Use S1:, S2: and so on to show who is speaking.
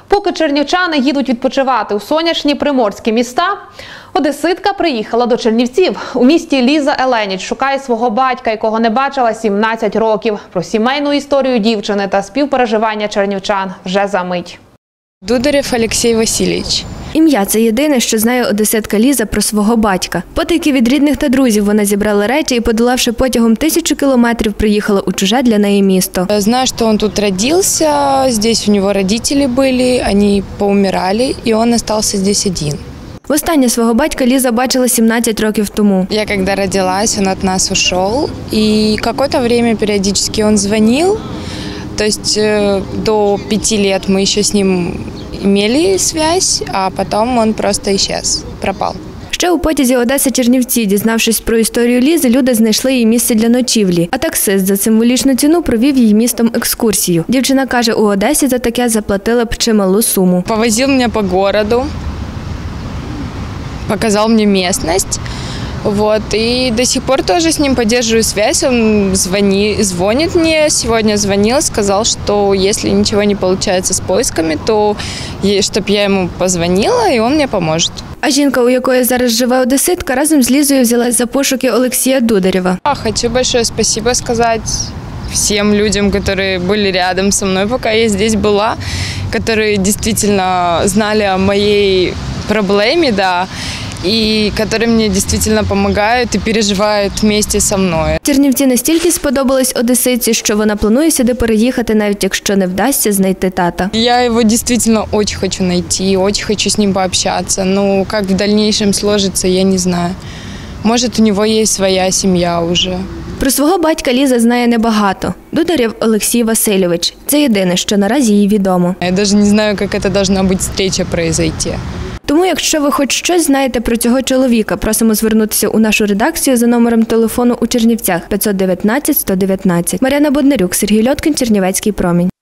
S1: Поки чернівчани їдуть відпочивати у сонячні приморські міста, одеситка приїхала до Чернівців. У місті Ліза Еленіч шукає свого батька, якого не бачила 17 років. Про сімейну історію дівчини та співпереживання чернівчан вже за мить.
S2: Дударєв Олексій Васильович.
S3: Ім'я – це єдине, що знає одеситка Ліза про свого батька. Потайки від рідних та друзів вона зібрала речі і, подолавши потягом 1000 кілометрів, приїхала у чуже для неї місто.
S2: Знаю, що він тут народився, тут у нього батьки були, вони поумирали, і він залишився тут один.
S3: Востаннє свого батька Ліза бачила 17 років тому.
S2: Я коли родилась, він від нас ушов, і якесь час періодично він дзвонив, тобто до 5 років ми ще з ним имели связь, а потом он просто исчез, пропал.
S3: Ще у потязі Одеса-Чернівці, дізнавшись про історію Лізи, люди знайшли їй місце для ночівлі, а таксист за символічну ціну провів їй містом екскурсію. Дівчина каже, у Одесі за таке заплатила б чималу суму.
S2: Повозив мене по місту, показав мені місцевість. И до сих пор тоже с ним поддерживаю связь. Он звонит мне, сегодня звонил, сказал, что если ничего не получается с поисками, то чтобы я ему позвонила, и он мне поможет.
S3: А жінка, у якої зараз живе одеситка, разом з Лізою взялась за пошуки Олексія Дударєва.
S2: Хочу большое спасибо сказать всем людям, которые были рядом со мной, пока я здесь была, которые действительно знали о моей проблеме, да, і які мені дійсно допомагають і переживають вместе зі мною.
S3: Чернівці настільки сподобались одеситці, що вона планує сюди переїхати, навіть якщо не вдасться знайти тата.
S2: Я його дійсно дуже хочу знайти, дуже хочу з ним пообщатися. Ну, як в дальнейшем сложиться, я не знаю. Може, у нього є своя сім'я вже.
S3: Про свого батька Ліза знає небагато. Дударєв Олексій Васильович. Це єдине, що наразі їй відомо.
S2: Я навіть не знаю, як це має бути зустріча відбутися.
S3: Тому, якщо ви хоч щось знаєте про цього чоловіка, просимо звернутися у нашу редакцію за номером телефону у Чернівцях 519 119. Мар'яна Боднарюк, Сергій Льоткін, Чернівецький промінь.